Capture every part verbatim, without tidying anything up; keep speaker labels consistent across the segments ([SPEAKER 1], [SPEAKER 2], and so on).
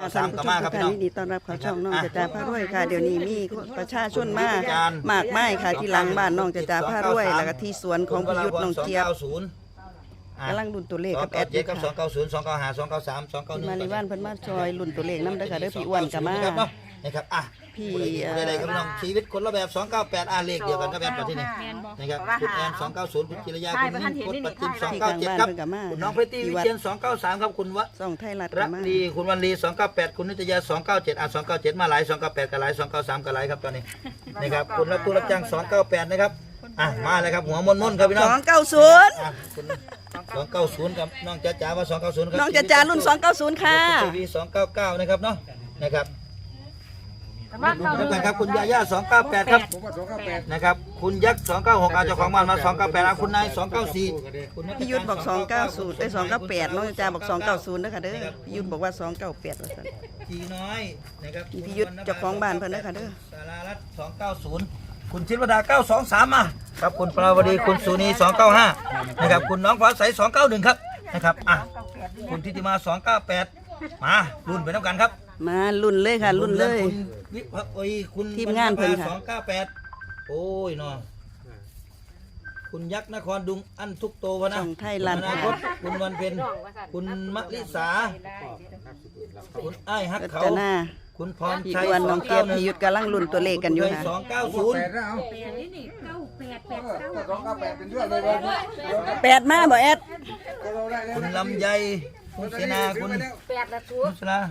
[SPEAKER 1] ค่ะท่านผู้ชมทุกท่านยินดีต้อนรับเข้าช่องน้องจะจ่าพารวยค่ะเดี๋ยวนี้มีประชาชนมากมากมายค่ะที่หลังบ้านน้องจะจ่าพารวยแล้วก็ที่สวนของพิยุทธ์น้องเจี๊ยบกำลังลุ้นตัวเลขกับแอดอยู่ค่ะ
[SPEAKER 2] สองเก้าศูนย์ สองเก้าห้า สองเก้าสาม สองเก้าหนึ่ง
[SPEAKER 1] มาในบ้านเพิ่นมาซอยลุ้นตัวเลขนำเด้อค่ะเด้อพี่อ้วนก็มา
[SPEAKER 2] นะครับอ่ะ
[SPEAKER 1] พี่
[SPEAKER 2] ได้ๆครับน้องชีวิตคนละแบบสองเก้าแปดอ่ะเลขเดียวกันกับแอดประเทศนี้นะครับคุณแอนสองเก้าศูนย์คุณจิรยาคุณนิ่มคุณปัจจิมสองเก้าเจ็ดครับคุณน้องเพชรตี้วิเชียรสองเก้าสามครับคุณวะ
[SPEAKER 1] ส่องไทยรัฐ
[SPEAKER 2] รั
[SPEAKER 1] ก็
[SPEAKER 2] ก
[SPEAKER 1] มา
[SPEAKER 2] ดีคุณวันลีสองเก้าแปดคุณนิตยาสองเก้าเจ็ดอ่ะสองเก้าเจ็ดมาหลายสองเก้าแปดก็หลายสองเก้าสามก็หลายครับตอนนี้นะครับคุณรับตู้รับจ้างสองเก้าแปดนะครับอ่ะมาเลยครับหัวมนมนครับพี่น้อง
[SPEAKER 1] สองเก้าศูนย์
[SPEAKER 2] อ่ะคุณสองเก้าศูนย์ครับน้องจ๋าจ๋าว่าสองเก้าศูนย์ครับ
[SPEAKER 1] น้องจะจ่ารุ่นสองเก้าศูนย์ค่ะ
[SPEAKER 2] ทีวีสองเก้าเก้านะครับเนาะนะครับแล้วกันครับคุณยาย่าสองเก้าแปดครับนะครับคุณยักษ์สองเก้าหกเอาเจ้าของบ้านมาสองเก้าแปดคุณนายสองเก้าสี่คุณ
[SPEAKER 1] พี่ยุทธบอกสองเก้าศูนย์ได้สองเก้าแปดน้องจะจ่าบอกสองเก้าศูนย์เด้อค่ะเด้อพี่ยุทธบอกว่าสองเก้าแปดว่าซั่น
[SPEAKER 2] จีน้อยนะครับ
[SPEAKER 1] พี่ยุทธเจ้าของบ้านเพิ่นเด้อค่ะเด้อ
[SPEAKER 2] สารารัตน์สองเก้าศูนย์คุณชินวดาเก้าสองสามมาครับคุณปราวดีคุณสุนีสองเก้าห้านะครับคุณน้องฟ้าใสสองเก้าหนึ่งครับนะครับอ่ะคุณทิติมาสองเก้าแปดมารุ่นไปน้ำกันครับ
[SPEAKER 1] มาลุ้นเลยค่ะลุ้นเลย
[SPEAKER 2] คุณวิภโอ้ยคุณ
[SPEAKER 1] ทีมงานเพิ่นค่ะ
[SPEAKER 2] สองเก้าแปดโอ้ยเนาะคุณยักษ์นครดุงอันทุกโตวะนะ
[SPEAKER 1] ส่องไทยรัฐ
[SPEAKER 2] อนาคตคุณวันเพ็ญคุณมะลิสาคุณไอ้ายฮัก
[SPEAKER 1] ก็
[SPEAKER 2] เขา
[SPEAKER 1] จะหน้า
[SPEAKER 2] คุณพร
[SPEAKER 1] พี่
[SPEAKER 2] ชัย
[SPEAKER 1] อ้วนน้องเจี๊ยบพี่ยุทธกำลังลุ้นตัวเลขกันอยู่ค่ะ
[SPEAKER 2] สองเก้าศูนย์
[SPEAKER 1] แปดมาบ่แอด
[SPEAKER 2] คุณลำไยคุณเสนาคุณนุชลา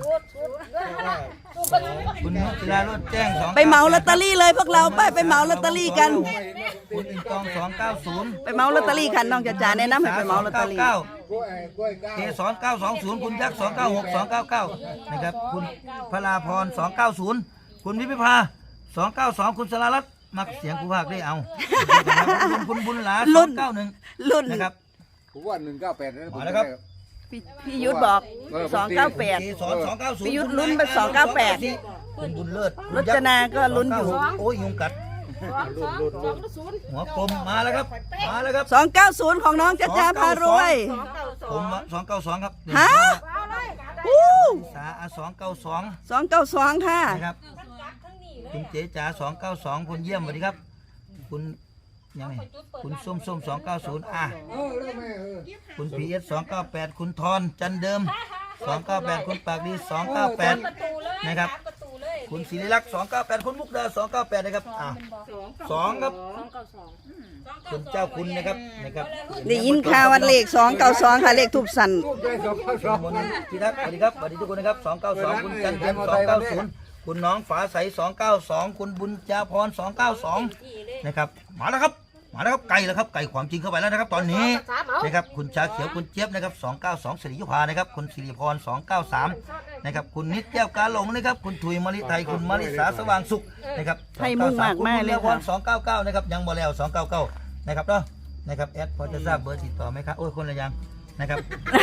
[SPEAKER 2] คุณนุชลารถแจ้งสอง
[SPEAKER 1] ไปเหมาลอตเตอรี่เลยพวกเราไปไปเหมาลอตเตอรี่กัน
[SPEAKER 2] คุณอินตองสองเก้าศูนย์
[SPEAKER 1] ไปเหมาลอตเตอรี่กันน้องจะจ่าแนะนำให้ไปเหมาลอตเตอรี่
[SPEAKER 2] เกสรเก้าสองศูนย์คุณยักษ์สองเก้าหกสองเก้าเก้านะครับคุณพลาพรสองเก้าศูนย์คุณวิพิภาสองเก้าสองคุณสรารัตน์มักเสียงกูภาคได้เอาคุณบุญหลาสองเก้าหนึ่ง
[SPEAKER 1] รุ่น
[SPEAKER 2] นะครับ
[SPEAKER 3] ผมว่าหนึ่งเก้าแปดนะ
[SPEAKER 2] มาแล้วครับ
[SPEAKER 1] พี่พี่ยุทธบอกสองเก้าแปด
[SPEAKER 2] เกสรสองเก้าศูนย์
[SPEAKER 1] พี่ยุทธลุ้นไปสองเก้าแปด
[SPEAKER 2] คุณบุญเลิศ
[SPEAKER 1] รจนาก็ลุ้นอยู่
[SPEAKER 2] โอ้ยยุงกัดหัวกลมมาแล้วครับมาแล้วครับ
[SPEAKER 1] สองเก้าศูนย์ของน้องจะจ่าพารวย
[SPEAKER 2] ผมสองเก้าสองครับ
[SPEAKER 1] ฮะอู้
[SPEAKER 2] สาสองเก้าสอง
[SPEAKER 1] สองเก้าสองค่ะ
[SPEAKER 2] นะครับคุณเจ๊จ๋าสองเก้าสองคุณเยี่ยมสวัสดีครับ คุณยังไงคุณส้มส้มสองเก้าศูนย์อ่ะคุณพีเอสสองเก้าแปดคุณทอนจันเดิมสองเก้าแปดคุณปากดีสองเก้าแปดนะครับคุณศิริลักษณ์สองเก้าแปดคุณมุกดาสองเก้าแปดนะครับอ่ะสองครับคุณเจ้าคุณนะครับนะครับ
[SPEAKER 1] ได้ยินข่าววันเลขสองเก้าสองค่ะเลขทูบสั่น
[SPEAKER 2] มนพิทักษ์สวัสดีครับสวัสดีทุกคนนะครับสองเก้าสองคุณจันเทียมสองเก้าศูนย์คุณน้องฝาใสสองเก้าสองคุณบุญจาพรสองเก้าสองนะครับมาแล้วครับมาแล้วครับไก่แล้วครับไก่ความจริงเข้าไปแล้วนะครับตอนนี้นะครับคุณชาเขียวคุณเจี๊ยบนะครับสองเก้าสองสิริยุพานะครับคุณสิริพรสองเก้าสามนะครับคุณนิดแก้วกาหลงนะครับคุณถุยมะลิไทยคุณมะลิสาสว่างสุขนะครับ
[SPEAKER 1] ให้มุ่งมากมากเลยค่ะ
[SPEAKER 2] สองเก้าเก้านะครับยังบ่แล้วสองเก้าเก้านะครับเนาะนะครับแอดพอจะทราบเบอร์ติดต่อไหมครับโอ้ยคนละยังนะครับ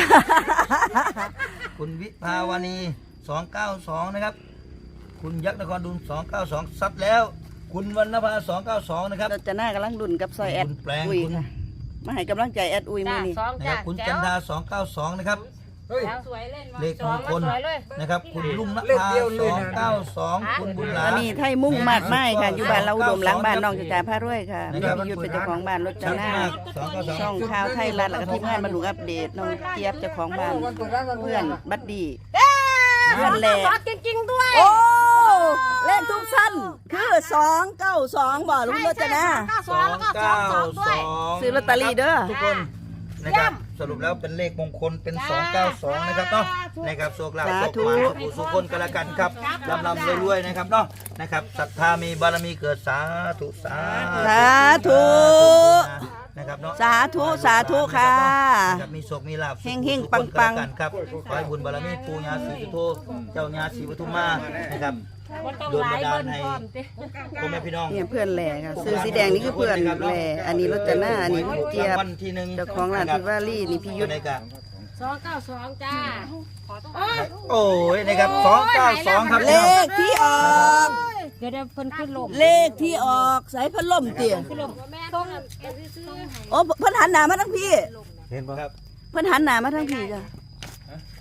[SPEAKER 2] คุณวิภาวณีสองเก้าสองนะครับคุณยักษ์นครดุลสองเก้าสองซัดแล้วคุณวรรณภาสองเก้าสองนะครับ
[SPEAKER 1] เราจะหน้ากำลังดุนกับซอยแอด
[SPEAKER 2] คุณแปลง
[SPEAKER 1] อุ้ย
[SPEAKER 2] คุณ
[SPEAKER 1] ค่ะมาให้กำลังใจแอดอุ้ยมือนี้
[SPEAKER 2] นะครับคุณจันดาสองเก้าสองนะครับเลขมงคลนะครับคุณลุงนภาสองเก้าสองคุณบุญหลา
[SPEAKER 1] อันนี้ไทยมุ่งมากไม้ค่ะอยู่บ้านเราอุดมหลังบ้านน้องจะจ่าพารวยค่ะพี่พิยุทธเป็นเจ้าของบ้านรถจะหน้าช่องข่าวไทยรัฐแล้วก็ทีมงานบรรลุอัปเดตน้องเจี๊ยบเจ้าของบ้านเพื่อนบัดดี้เพื่อนแหล่
[SPEAKER 4] จริงๆด้วย
[SPEAKER 1] โอ้เลขทุกสั้นคือสองเก้าสองบ่ลุงรถจะหน้า
[SPEAKER 2] สองเก้าสอง
[SPEAKER 1] ซื้อลอตเตอรี่เด้อ
[SPEAKER 2] ทุกคนนะครับสรุปแล้วเป็นเลขมงคลเป็นสองเก้าสองนะครับเนาะนะครับโชคลาภโชคมาสุขสุขคนกันละกันครับลำลำรวยๆนะครับเนาะนะครับศรัทธามีบารมีเกิดสาธุสา
[SPEAKER 1] สาธุ
[SPEAKER 2] นะครับเนาะ
[SPEAKER 1] สาธุสาธุค่ะ
[SPEAKER 2] นะครับมีโชคมีลาภ
[SPEAKER 1] เฮงๆปังๆ
[SPEAKER 2] ๆกันครับขอให้บุญบารมีปู่ย่าศรีสุโธเจ้าย่าศรีปทุมมานะครับโดนบันดาลให้พ่อแม่พี่น้อง
[SPEAKER 1] เนี่ยเพื่อนแหล่ค่ะซื้อสีแดงนี่คือเพื่อนแหล่อันนี้รถจะหน้าอันนี้เจี๊ยบ
[SPEAKER 2] วันที่หนึ่ง
[SPEAKER 1] เจ้าของร้านพิวารี่นี่พี่ยุทธ
[SPEAKER 2] ในกะ
[SPEAKER 4] สองเก้าสองจ้า
[SPEAKER 2] โอ้ยนะครับสองเก้าสองครับ
[SPEAKER 1] เลขที่ออก
[SPEAKER 4] เดี๋ยวเดี๋ยวเพิ่นขึ้นลม
[SPEAKER 1] เลขที่ออกสายพัดลมเตี่ย
[SPEAKER 4] ขึ้นลมแม่ต้องซื้อ
[SPEAKER 1] โอ้เพิ่นหันหน้ามาทั้งพี่
[SPEAKER 2] เห็นป่ะครับ
[SPEAKER 1] เพิ่นหันหน้ามาทั้งพี่จ้ะ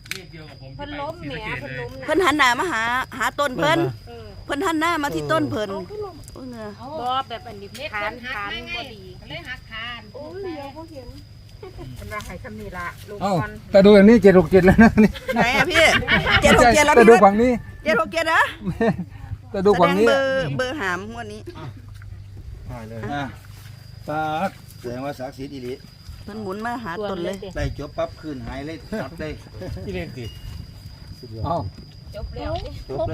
[SPEAKER 4] เพิ่นล้มแหมเพิ่นล้มนะ
[SPEAKER 1] เพิ่นหันหน้ามาหาหาต้นเพิ่นเพิ่นหันหน้ามาที่ต้นเพิ่นโอ้ยเงือ
[SPEAKER 4] บ่แบบอันนี้ขานขานบ่ดีเลยหักคานโอ้ยเดี๋ยวบ่เห็นเป็นว่าให้คำนี้ล่ะลูก
[SPEAKER 3] เอ้า
[SPEAKER 4] ก่อน
[SPEAKER 3] แต่ดูอย่างนี้เจ็ดหกเจ็ดแล้วนะนี่
[SPEAKER 1] ไหนอะพี่เจ็ดหกเจ็ดแล้ว
[SPEAKER 3] แต่
[SPEAKER 1] พี่
[SPEAKER 3] ดู
[SPEAKER 1] วัด
[SPEAKER 3] ฝั่งนี้
[SPEAKER 1] เจ็ดหกเจ็ดนะ
[SPEAKER 3] แต่ดู
[SPEAKER 1] แสด
[SPEAKER 3] ฝั่ง
[SPEAKER 1] ง
[SPEAKER 3] นี้
[SPEAKER 1] เบอร์เบอร์หามงวดนี้
[SPEAKER 2] อ่ะปาดแสดงว่าศักดิ์สิทธิ์อีหลี
[SPEAKER 1] เพิ่นหมุนมาหาต้นเลย
[SPEAKER 2] ได้จบปั๊บคืนหายเลยตับเลย
[SPEAKER 3] เอ้า
[SPEAKER 4] จบแล้ว
[SPEAKER 2] จบเลย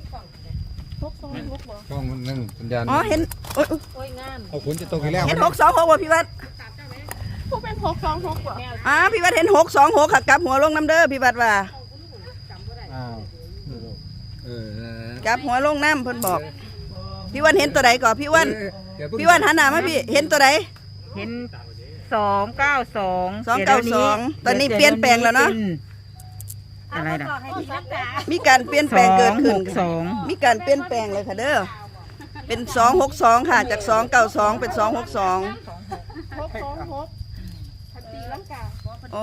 [SPEAKER 3] ช่องหนึ่งสัญญาณ
[SPEAKER 1] อ๋อเห็นโอ้ย
[SPEAKER 4] โอ้ยงาม
[SPEAKER 3] เอาฝนจะตกอีกแล้ว
[SPEAKER 1] เห็นหกสองหกว่ะพี่วัดอ่าพี่วัดเห็นหกสองหกค่ะกลับหัวลงน้ำเด้อพี่วัดว่า
[SPEAKER 3] อ้าวเออก
[SPEAKER 1] ลับหัวลงน้ำเพิ่นบอก พี่วันเห็นตัวใดก่อนพี่วัน
[SPEAKER 3] เดี๋ยเพิ่ง
[SPEAKER 1] พี่วันหันหน้ามาพี่เห็นตัวใด
[SPEAKER 5] เห็นสองเก้าสอง
[SPEAKER 1] สองเก้าสองตอนนี้เปลี่ยนแปลงแล้วเนาะ
[SPEAKER 5] อะไรนะ
[SPEAKER 4] ให้พี่รักษา
[SPEAKER 1] มีการเปลี่ยนแปลงเกิดขึ้น
[SPEAKER 5] สอง
[SPEAKER 1] มีการเปลี่ยนแปลงเลยค่ะเด้อเป็นสองหกสองค่ะจากสองเก้าสองเป็นสองหกสองอ๋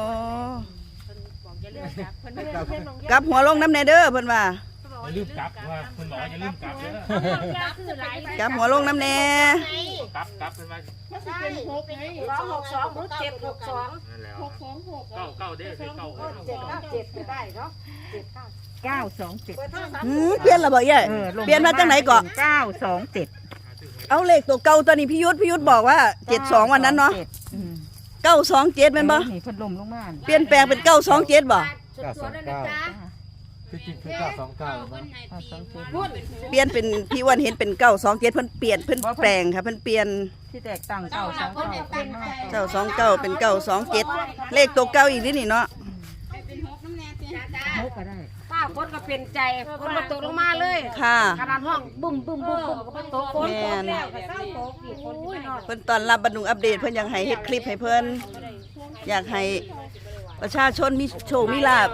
[SPEAKER 1] อกลับหัวลงน้ำเนเด้อเพิ่นว่า
[SPEAKER 6] อย่าลืมกลับว่าคุณหมออย่าลืมกลับเด้อก
[SPEAKER 1] ลับหัวลงน้ำแน่
[SPEAKER 6] กลับกลับเป็นว่า
[SPEAKER 4] ใช่สองหกสองหรือเจ็ดหกสอง
[SPEAKER 6] นั่นแหละเก้าเก้าเด้อคือเก้า
[SPEAKER 4] เจ็ดเก้าเจ็ดก็ได้เนาะเจ็ดเก้า
[SPEAKER 5] เก้าสองเจ็ด
[SPEAKER 4] เปิดโทรศัพท์
[SPEAKER 1] หืมเปลี่ยนและบ่เย้ย
[SPEAKER 5] ออลง
[SPEAKER 1] เปลี่ยนมาจากไหนก่อน
[SPEAKER 5] เก้าสองเจ็ด
[SPEAKER 1] เอาเลขตัวเก่าตัวนี้พี่ยุทธพี่ยุทธบอกว่าเจ็ดสองวันนั้นเนาะ
[SPEAKER 5] อืม
[SPEAKER 1] เก้าสองเจ็ดแม่นบ่
[SPEAKER 5] นี่พัดลมลงมา
[SPEAKER 1] เปลี่ยนแปลงเป็นเก้าสองเจ็ดบ่
[SPEAKER 4] สดๆเลยนะจ๊ะ
[SPEAKER 3] ที่จริงคือเก้าสองเก้า
[SPEAKER 5] เก้าสองเจ็ด
[SPEAKER 4] พูด
[SPEAKER 1] เปลี่ยนเป็นพี่วันเห็นเป็นเก้าสองเจ็ดเพิ่นเปลี่ยนเพิ่นแปลงค่ะเพิ่นเปลี่ยน
[SPEAKER 5] ที่แตกต่างเก้าสองเก้าเป็น
[SPEAKER 1] เก้าสองเก้าเป็นเก้าสองเจ็ดเลขตัวเก้าอีกนิดนี่เนาะ
[SPEAKER 5] หกก็ได้
[SPEAKER 4] ป้าคนก็เป็นใจคนมาตกลงมาเลย
[SPEAKER 1] ค่ะ
[SPEAKER 4] ขนาดห้องบุ้มบุ้มบุ้มบุ้มก็มาตกคนตกแล้วก็เศร้าตกอีกคนที่นอน
[SPEAKER 1] เพิ่นตอนรับบรรดุงอัปเดตเพิ่นอยากให้เฮ็ดคลิปให้เพิ่นอยากให้ประชาชนมีโชคมีลาภ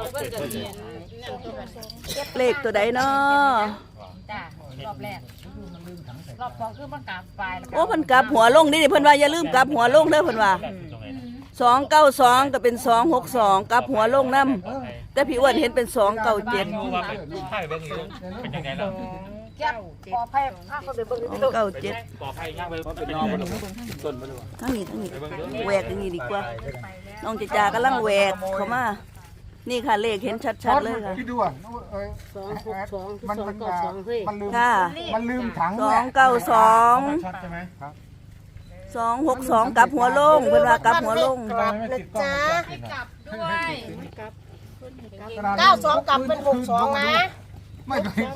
[SPEAKER 1] เลขตัวใดเนาะ
[SPEAKER 4] จ้ารอบแรกรอบสองคือมันกลับไปแล้ว
[SPEAKER 1] โอ้เพิ่นกลับหัวลงนี่เพิ่นว่าอย่าลืมกลับหัวลงเด้อเพิ่นว่าสองเก้าสองก็เป็นสองหกสองกลับหัวลงนํแต่พี่อ้วนเห็นเป็นสองเก้าเจ็ด
[SPEAKER 6] รู้ว่าเป็นไพ่เบิ้งอยู่เป็นยังไงล่ะ
[SPEAKER 4] แก้ปอภัยข้าเขาไปเบิ่ง
[SPEAKER 1] สอง
[SPEAKER 4] ดู
[SPEAKER 1] เก้าเจ็ด
[SPEAKER 6] ปอไพ่ย่างไปเป็นนอนบนต้นบน
[SPEAKER 1] ทั้งนี้ทั้งนี้แหวกอย่างนี้ดีกว่าน้องจิจากำลังแหวกเข้ามานี่ค่ะเลขเห็นชัดๆเลยค่ะ
[SPEAKER 3] พี่ดูอ่ะสองหกสองมันมันมันลืม
[SPEAKER 1] ค่ะ
[SPEAKER 3] มันลืมถัง
[SPEAKER 1] สองเก้าสอง
[SPEAKER 3] ชัดใช่ไหมครับ
[SPEAKER 1] สองหกสองกลับหัวลงเพิ่นว่ากลับหัวลง
[SPEAKER 3] นะจ๊ะ
[SPEAKER 4] เก้าสองกลับเป็นหกสองนะ
[SPEAKER 3] ไม่เคย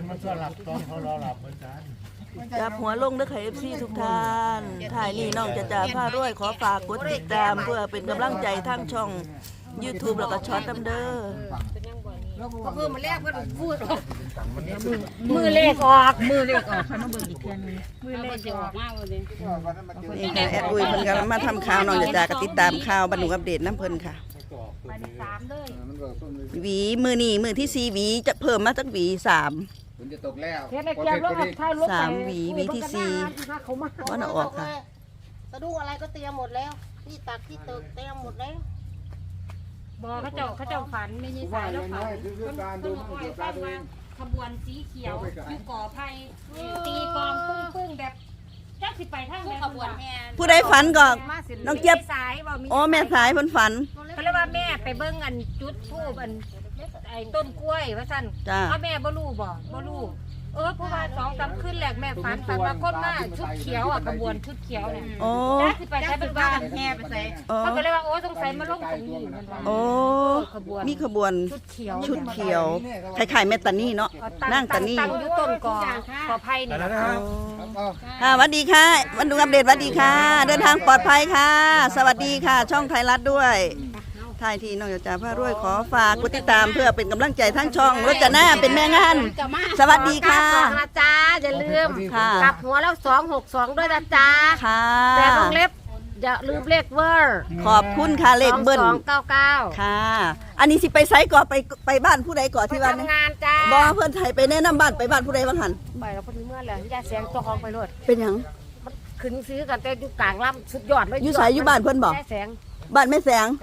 [SPEAKER 1] กลับหัวลงเด้อค่ะ เอฟ ซี ทุกท่านถ่ายนี่น้องจะจ่าผ้ารวยขอฝากกดติดตามเพื่อเป็นกำลังใจทางช่อง YouTube แล้วก็ช็อตน้ำเด้อ
[SPEAKER 4] มือมันแรกเพิ่นพูดออกมือเลขออก
[SPEAKER 5] มือเลขออกค่ะน้องเบิร์อีกเทียนนึง
[SPEAKER 4] มือเลขออกมากเลย
[SPEAKER 1] นี่ค่ะแอดอุ้ยเพิ่นกำลังมาทำข่าวน้องจะจ่าก็ติดตามข่าวบรรลุอัปเดตน้ำเพิ่นค่ะ
[SPEAKER 4] ไปที่สามเลย
[SPEAKER 1] หวีมือนี่มือที่สี่หวีจะเพิ่มมาสักหวีสาม
[SPEAKER 3] ฝนจะตกแล้ว
[SPEAKER 4] เฮ็ดให้เก็บรถกับท้ายรถ
[SPEAKER 1] สามหวีหวีที่สี่
[SPEAKER 4] เขามา
[SPEAKER 1] ว่าน่ะออกค่ะ
[SPEAKER 7] สะดุ้งอะไรก็เตรียมหมดแล้ว ที่ตักที่ตึกเตรียมหมดแล้ว
[SPEAKER 4] บ่เขาเจ้าเขาเจ้าฝันไม่ใช่สายแล้วฝันเพิ่นเพิ่นบอกให้ฟังว่าขบวนสีเขียวอยู่ก่อไผ่ตีกลองปึ้งปึ้งแบบจักสิไปทางไหนขบวนแห่
[SPEAKER 1] ผู้ใดฝันก็น้องเจี๊ยบ
[SPEAKER 4] สายบ่มี
[SPEAKER 1] โอ้แม่สายเพิ่นฝัน
[SPEAKER 4] เขาเรียกว่าแม่ไปเบิ่งอันจุดธูปอันไอ้ต้นกล้วยว่าซั่น
[SPEAKER 1] จ้า
[SPEAKER 4] พ่อแม่บ่รู้บ่บ่รู้เออเพราะว่าสองสามคืนแรกแม่ฝันฝันว่าคนมาชุดเขียวอ่ะขบวนชุดเขียวเนี่ย
[SPEAKER 1] โอ้
[SPEAKER 4] จักสิไปใช้เป็นบ้านแห่ไปใส่
[SPEAKER 1] โอ้
[SPEAKER 4] เขาก็เลยว่าโอ้สงสัยมาลงตรงนี้มันว่า
[SPEAKER 1] โอ้
[SPEAKER 4] ขบวน
[SPEAKER 1] มีขบวน
[SPEAKER 4] ชุดเขียว
[SPEAKER 1] ชุดเขียวคล้ายๆแม่ตานี่เนาะนั่งตานี่
[SPEAKER 4] ตั้งอยู่ต้นกอกกอไผ่นี่ล่ะ
[SPEAKER 1] ค่ะสวัสดีค่ะวันดูอัปเดตสวัสดีค่ะ เดินทางปลอดภัยค่ะ สวัสดีค่ะ ช่องไทยรัฐด้วยท้ายที่น้องจ่าผ้ารวยขอฝากกดติดตามเพื่อเป็นกำลังใจทั้งช่องรถจะหน้าเป็นแม่งาน สวัสดีค่ะ
[SPEAKER 4] สองนะจ๊ะอย่าลืม
[SPEAKER 1] ค่ะ
[SPEAKER 4] กลับหัวแล้วสองหกสองด้วยนะจ๊ะ
[SPEAKER 1] ค่ะ
[SPEAKER 4] แต่วงเล็บอย่าลืมเลขเวอร์
[SPEAKER 1] ขอบคุณค่ะเลขเบิ้ล
[SPEAKER 4] สองเก้าเก้า
[SPEAKER 1] ค่ะ อันนี้สิไปไซก่อนไปไปบ้านผู้ใดก่อนที่บ้าน
[SPEAKER 4] ทำงานจ้า
[SPEAKER 1] บอเพื่อนไทยไปแนะนำบ้านไปบ้านผู้ใดบ้างหัน
[SPEAKER 4] ไปแล้วคนนี้เมื่อไหร่ยาแสงตัวของไปรถ
[SPEAKER 1] เป็นหยัง
[SPEAKER 4] ขึ้นซื้อกันแต่อยู่กลางลำสุดยอดเลย
[SPEAKER 1] อยู่ไสอยู่บ้านเพิ่นบอก
[SPEAKER 4] ยาแสง
[SPEAKER 1] บ้านแม่แสง
[SPEAKER 4] จ้ะ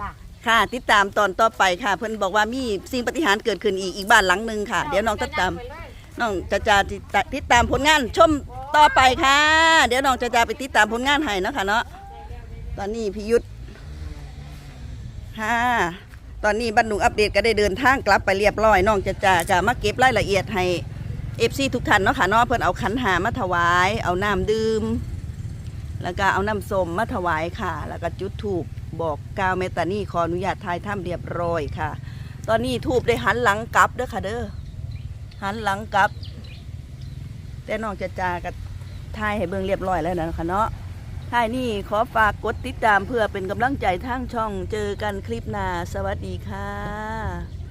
[SPEAKER 1] ค่ะติดตามตอนต่อไปค่ะ เพิ่นบอกว่ามีสิ่งปาฏิหาริย์เกิดขึ้นอีกอีกบ้านหลังหนึงค่ะ เดี๋ยวน้องติดตามน้องจะจะติดตามผลงานชมต่อไปค่ะ เดี๋ยวน้องจะจะไปติดตามผลงานให้เนาะค่ะเนาะตอนนี้พี่ยุทธค่ะตอนนี้บ้านหนุ่งอัปเดตก็ได้เดินทางกลับไปเรียบร้อยน้องจะจะจะมาเก็บรายละเอียดให้เอฟซีทุกท่านเนาะค่ะเนาะเพิ่นเอาขันหามาถวายเอาน้ำดื่มแล้วก็เอาน้ำส้มมาถวายค่ะ แล้วก็จุดธูปบอกกล่าวเมตตานี่ขออนุญาตทายถ้ำเรียบร้อยค่ะ ตอนนี้ธูปได้หันหลังกลับเด้อค่ะเด้อหันหลังกลับ แต่น้องจะจากับทายให้เบิ่งเรียบร้อยแล้วนะคะเนาะทายนี่ขอฝากกดติดตามเพื่อเป็นกำลังใจทางช่องเจอกันคลิปหน้าสวัสดีค่ะ